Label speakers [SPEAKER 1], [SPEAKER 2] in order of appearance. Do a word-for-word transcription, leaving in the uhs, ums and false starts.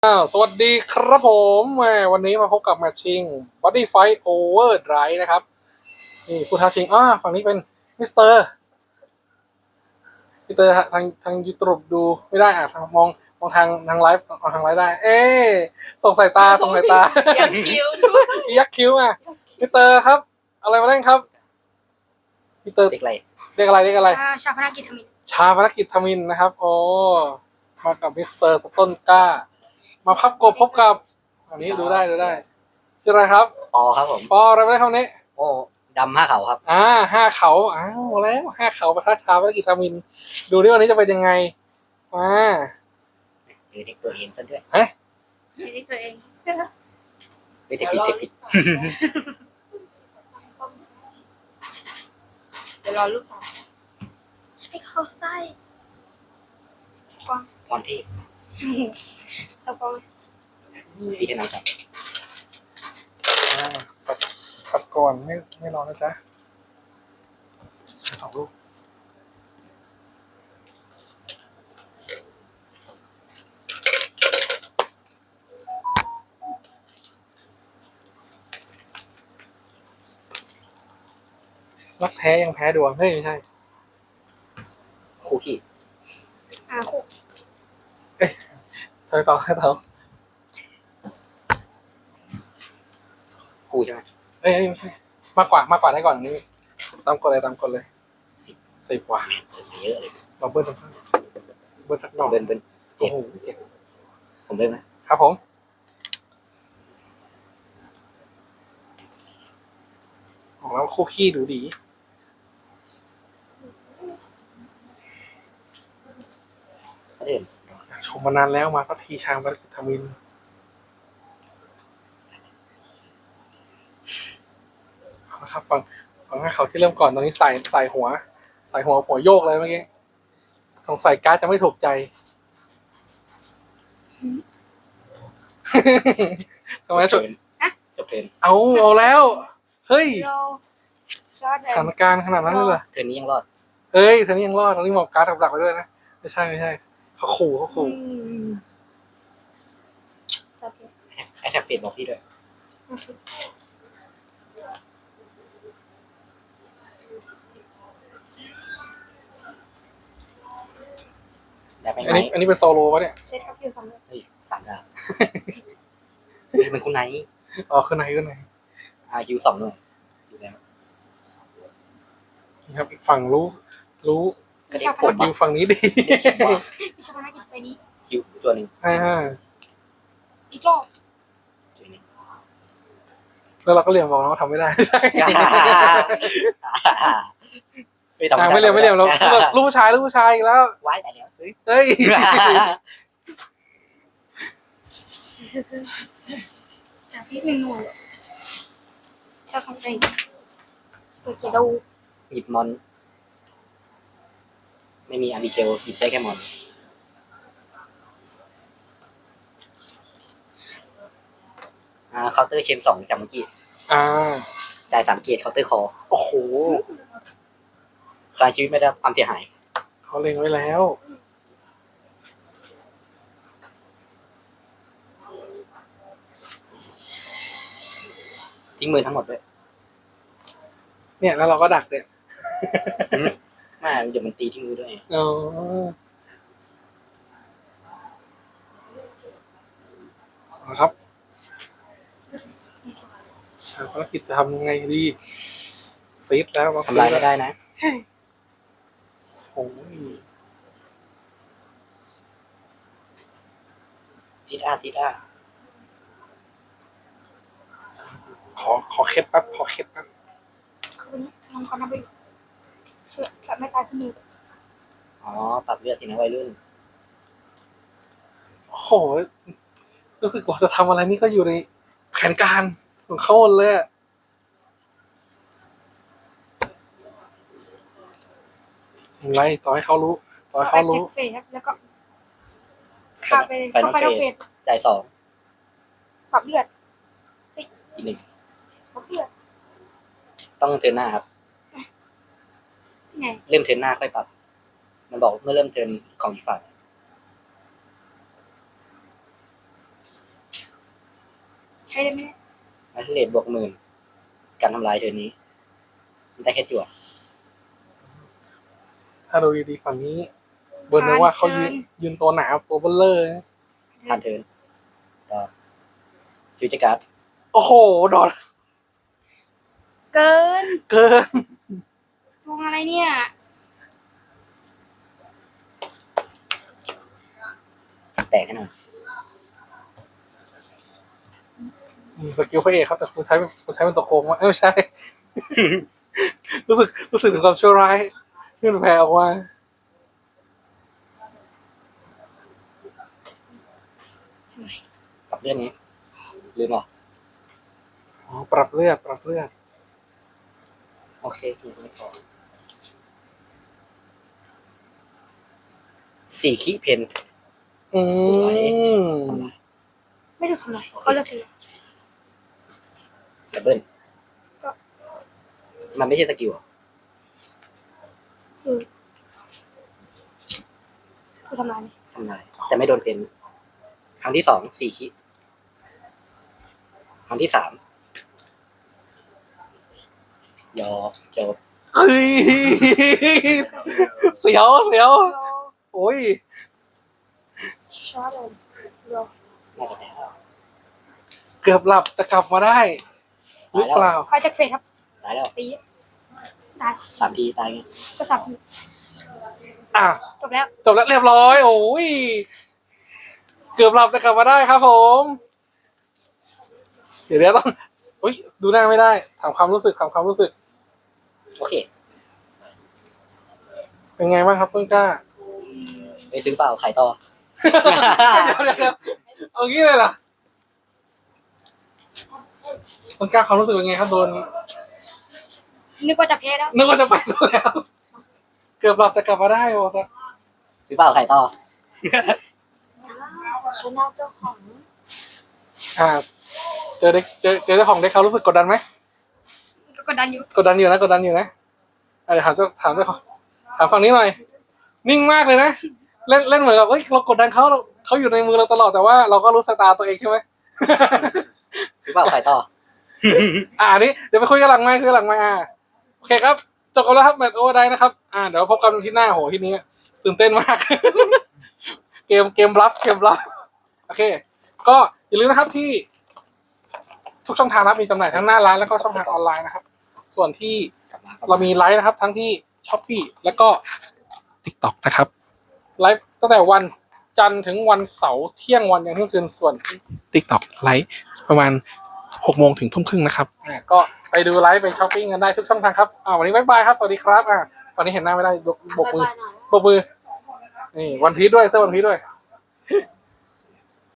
[SPEAKER 1] อ้าวสวัสดีครับผมแหมวันนี้มาพบกับแมตชิง Body Fight Overdrive นะครับนี่ผู้ท้าชิงอ่าฝั่งนี้เป็นมิสเตอร์มิสเตอร์ทางทางยูทูบดูไม่ได้อ่ะมองมองทางทางไลฟ์มองทางไลฟ์ได้ เอ๊ส่งสายตาส่งสายตา
[SPEAKER 2] ยักคิ้วด้วย
[SPEAKER 1] ยักคิ้วอ่ะมิสเตอร์ครับอะไรมาเล่นครับมิสเตอร์
[SPEAKER 3] เด็กอะไร
[SPEAKER 1] เรียกอะไรเรียกอะไร
[SPEAKER 2] อ่าชาพนักกิจทมิน
[SPEAKER 1] ชาพนักกิจทมินนะครับโอ้มากับมิสเตอร์สต้นกล้า มาพับกบพบกับอันนี้ดูได้ดูได้ชื่ออะไรครับ
[SPEAKER 3] ปอครับผม
[SPEAKER 1] ปออะไรไม่ได้คำนี้
[SPEAKER 3] โอ้ดำห้าเขาครับ
[SPEAKER 1] อ่าห้าเขาอ้าวแล้วห้าเขาประทัดชาพนักกิจทมิน ดูดิวันนี้จะเป็นยังไงมา
[SPEAKER 3] เจอเด็กตัวเองซะด้วย
[SPEAKER 1] เฮ้ย
[SPEAKER 2] ไม่ได้ตัวเอง
[SPEAKER 3] เฮ้ยเด็กผิดเด็กผิด
[SPEAKER 2] เดี๋ยวรอลูกสาวใช่เขาไส้กวาง
[SPEAKER 3] พรที่
[SPEAKER 2] สปอง
[SPEAKER 3] พี่แค่นั้นครับ
[SPEAKER 1] อ่าสับสับก่อนไม่ไม่รอนะจ๊ะสองลูกรักแท้ยังแพ้ดวงเฮ้ยไม่ใช่
[SPEAKER 3] คู่ขี้
[SPEAKER 2] อ่าคู่
[SPEAKER 1] เธอต่อให้เธอ
[SPEAKER 3] คู่ใช่ไหม
[SPEAKER 1] เอ้ยเอ้ยไม่ใช่มากกว่ามากกว่าได้ก่อนอันนี้ตามกฎเลยตามกฎเลย
[SPEAKER 3] สิบ
[SPEAKER 1] สิบกว่า
[SPEAKER 3] เปิดมาเยอะเลย
[SPEAKER 1] เราเบิ้ลทั้งนั้นเบิ้ลทักดอก
[SPEAKER 3] เบิ้ลเบิ้ล
[SPEAKER 1] โอ้
[SPEAKER 3] เจ็บ
[SPEAKER 1] โหเจ็บ
[SPEAKER 3] ผมเริ่มนะครับ
[SPEAKER 1] ผมของเราคู่ขี้ดูดี
[SPEAKER 3] เขาเดิน
[SPEAKER 1] ชมมานานแล้วมาสักทีชางบริกิตามินเอาละครับฟังฟังให้เขาที่เริ่มก่อนตอนนี้ใส่ใส่หัว ใส่หัวหัวโยกเลยเมื่อกี้สงสัยการ์ดจะไม่ถูกใจ ทำไม
[SPEAKER 3] จ
[SPEAKER 1] ฉุ
[SPEAKER 3] บ
[SPEAKER 1] ด
[SPEAKER 3] เทิร์นจบเทิร์น
[SPEAKER 1] เอาเอาแล้ว เฮ้ย
[SPEAKER 2] เราชอต
[SPEAKER 1] สถานการณ์ขนาดนั้นเลยเหรอ
[SPEAKER 3] เทิร์นนี้ยังรอด
[SPEAKER 1] เฮ้ยเธอนี่ยังรอดตอนนี้หมอบการ์ดกับดักไปด้วยนะไม่ใช่ไม่ใช่เขาขู่เขาขู่
[SPEAKER 2] จับ
[SPEAKER 3] แอทแทกเฟดบอกพี่ด้วยได้ไหม
[SPEAKER 1] อันนี้อันนี้เป็นโซโลวะเนี่ย
[SPEAKER 2] เซตครับคิวสองเลย
[SPEAKER 3] เฮ้ยสามดาวเฮ้ยเป็นคุณไนท์
[SPEAKER 1] อ๋อขึ้นไหนขึ้นไหน
[SPEAKER 3] อายูสองหน่วยอยู่แล้ว
[SPEAKER 1] นี่ครับอีกฝั่งรู้ รู้
[SPEAKER 3] ก็ได้
[SPEAKER 1] สกิลฝั่งนี้ดี
[SPEAKER 2] ชาพนักกิจไปนี้
[SPEAKER 3] คิวตัวหนึ่ง
[SPEAKER 1] อ่า
[SPEAKER 2] อีกรอบ
[SPEAKER 3] ตัวหนึ่ง
[SPEAKER 1] แล้วเราก็เรียนบอกนะว่าทำไม่ได้ไม่ใช่
[SPEAKER 3] ไม่ต้อง
[SPEAKER 1] อ่าไม่เรียนไม่เรียนเราลูกผู้ชายลูกผู้ชายอีกแล้ว
[SPEAKER 3] ไว้แต่แล้วเฮ้ย
[SPEAKER 1] เฮ้ย
[SPEAKER 2] จับพี่หนึ่งหน่วยชาทำเองเปิดจะดู
[SPEAKER 3] หยิบมอน ไม่มีอาร์บิเกลหยิบได้แค่มอนอ่าเคาน์เตอร์เชนสองจากเมื่อกี้
[SPEAKER 1] อ่า
[SPEAKER 3] จ่ายสามเกียร์เคาน์เตอร์คอ
[SPEAKER 1] โอ้โห
[SPEAKER 3] พลังชีวิตไม่ได้รับความเสียหาย
[SPEAKER 1] เขาเล็งไว้แล้ว
[SPEAKER 3] ทิ้งมือทั้งหมดด้วย
[SPEAKER 1] เนี่ยแล้วเราก็ดักเนี่ย
[SPEAKER 3] ไมาเดี๋ยวมันตีทิ้งมือด้วย
[SPEAKER 1] อ๋อนะครับชาวภารกิจจะทำยังไงดีซีดแล้ว
[SPEAKER 3] ทำลายไม่ได้นะ
[SPEAKER 1] โอ้ย
[SPEAKER 3] ทิดอาทิดอา
[SPEAKER 1] ขอขอเคล็ดแป๊บขอเคล็ดแป๊บ
[SPEAKER 2] คืนนี้ทำความนับไปเสือจับไม่ตายที่มือ
[SPEAKER 3] อ๋อปรับเลือดสินะวัยรุ่น
[SPEAKER 1] โอ้โหรู้สึกว่าจะทำอะไรนี่ก็อยู่ในแผนการของเขาหมดเลยอะอะไรต่อให้เขารู้ต่อให้เขารู้
[SPEAKER 2] เฟสครับแล้วก็ข้าไป
[SPEAKER 3] ไฟ
[SPEAKER 2] เข้าน
[SPEAKER 3] อ
[SPEAKER 2] ไฟ
[SPEAKER 3] ล
[SPEAKER 2] นอล
[SPEAKER 3] เฟ
[SPEAKER 2] เฟ
[SPEAKER 3] ส
[SPEAKER 2] ส
[SPEAKER 3] จ่ายสอง
[SPEAKER 2] ปรับเลือด
[SPEAKER 3] อีกหนึ่ง
[SPEAKER 2] ปรับเลือด
[SPEAKER 3] ต้องเทิร์นหน้าครับ
[SPEAKER 2] ไง
[SPEAKER 3] เริ่มเทิร์นหน้าค่อยปรับ มันบอกเมื่อเริ่มเทิร์นของอีกฝ่าย
[SPEAKER 2] ใช้ได้ไหม
[SPEAKER 3] อัลเทอร์เนทบวกหมื่นการทำลายเทอร์นนี้มันได้แค่จั่ว
[SPEAKER 1] ถ้าดูดีๆฝั่งนี้ เบิร์นนึกว่าเขายืนยืนตัวหนาตัวเบลเลอร์นะ
[SPEAKER 3] ผ่านเทิร์นก็ฟิวเจอร์การ์ด
[SPEAKER 1] โอ้โหดอด
[SPEAKER 2] เกิน
[SPEAKER 1] เกิน
[SPEAKER 2] ดวงอะไรเนี่ย
[SPEAKER 3] แตกให้หน่อย
[SPEAKER 1] อืมสกิลพระเอกครับแต่คุณใช้คุณใช้เป็นตัวโกงวะเอ้ยไม่ใช่ รู้สึกรู้สึกถึงความชั่วร้ายที่มันแผ่ออกมา
[SPEAKER 3] กับเรื่องนี้ลืมเหรอ
[SPEAKER 1] อ๋อปรับเลือดปรับเลือด
[SPEAKER 3] โอเคไม่พอสี่ขี้เพน
[SPEAKER 1] อื
[SPEAKER 3] สวย
[SPEAKER 1] ม
[SPEAKER 2] ไม่ถูกทำไรก็เลือกเลย
[SPEAKER 3] ดับเบิลมันไม่ใช่สกิลเหรอ
[SPEAKER 2] คือคือทำลายไหม
[SPEAKER 3] ทำลายแต่ไม่โดนเพนครั้งที่สองสี่ขี้ครั้งที่สามยอจบ
[SPEAKER 1] เฮ้ยเสียวเสียวโอ้ย
[SPEAKER 2] ช้าเลยเดี๋ยว
[SPEAKER 3] น่าจะแพ้แล้ว
[SPEAKER 1] เกือบหลับแต่กลับมาได้หรือเปล่า
[SPEAKER 2] คอยจากเฟสครับ
[SPEAKER 3] ตายแล้ว
[SPEAKER 2] ตีตาย
[SPEAKER 3] สามทีตายไง
[SPEAKER 2] ก็สับ
[SPEAKER 1] อ่ะ
[SPEAKER 2] จบแล้ว
[SPEAKER 1] จบแล้วเรียบร้อย โอ้ยเกือบหลับแต่กลับมาได้ครับผม เดี๋ยวเดี๋ยวต้องอุ้ยดูหน้าไม่ได้ถามความรู้สึกถามความรู้สึก
[SPEAKER 3] โอเค
[SPEAKER 1] เป็นไงบ้างครับต้นกล้า
[SPEAKER 3] ไปซื้อเปล่าขายต่อ
[SPEAKER 1] เดี๋ยวเดี๋ยวเดี๋ยวเอางี้เลยเหรอต้นกล้าความรู้สึกเป็นไงครับโดน
[SPEAKER 2] นึกว่าจะแพ้แล้ว
[SPEAKER 1] นึกว่าจะไปแล้ว เกือบหลับแต่กลับมาได้โอ้โห
[SPEAKER 3] ซื้อเปล่าขายต่อ
[SPEAKER 2] ชนะเจ้าของ
[SPEAKER 1] อ่า เจอเด็กเจอเจอเจ้าของเด็กเขารู้สึกกดดันไหม
[SPEAKER 2] ก็กดดันอยู่
[SPEAKER 1] กดดันอยู่นะกดดันอยู่นะอ่ะเดี๋ยวถามเจ้าถามเจ้าของถามฝั่งนี้หน่อย นิ่งมากเลยนะเล่นเล่นเหมือนกับเฮ้ยเรากดดันเขาเราเขาอยู่ในมือเราตลอดแต่ว่าเราก็รู้สตาร์ตัวเองใช่ไหม
[SPEAKER 3] ซื้อเปล่าขายต่อ
[SPEAKER 1] อ่าอันนี้เดี๋ยวไปคุยกันหลังไมค์คุยกันหลังไมค์อ่าโอเคครับจบกันแล้วครับแมตช์โอเวอร์ไดนะครับอ่าเดี๋ยวพบกันที่หน้าโหที่นี้ตื่นเต้นมาก เกมเกมบลัฟเกมบลัฟโอเค ก็อย่าลืมนะครับที่ ทุกช่องทางนะครับมีจำหน่ายทั้งหน้าร้านแล้วก็ช่องทางออนไลน์นะครับ ส่วนที่
[SPEAKER 3] กลับมา
[SPEAKER 1] เรามีไลฟ์นะครับ ทั้งที่ Shopee แล้วก็ TikTok นะครับไลฟ์ตั้งแต่วันจันทร์ถึงวันเสาร์เที่ยงวันยันเที่ยงคืนส่วน TikTok ไลฟ์ประมาณหกโมงถึงทุ่มครึ่งนะครับอ่าก็ไปดูไลฟ์ไปช้อปปิ้งกันได้ทุกช่องทางครับอ่าวันนี้บ๊ายบายครับสวัสดีครับอ่าตอนนี้เห็นหน้าไม่ได้ยกโบกมือโบกมือนี่วันพีชด้วยเสื้อวันพีชด้วย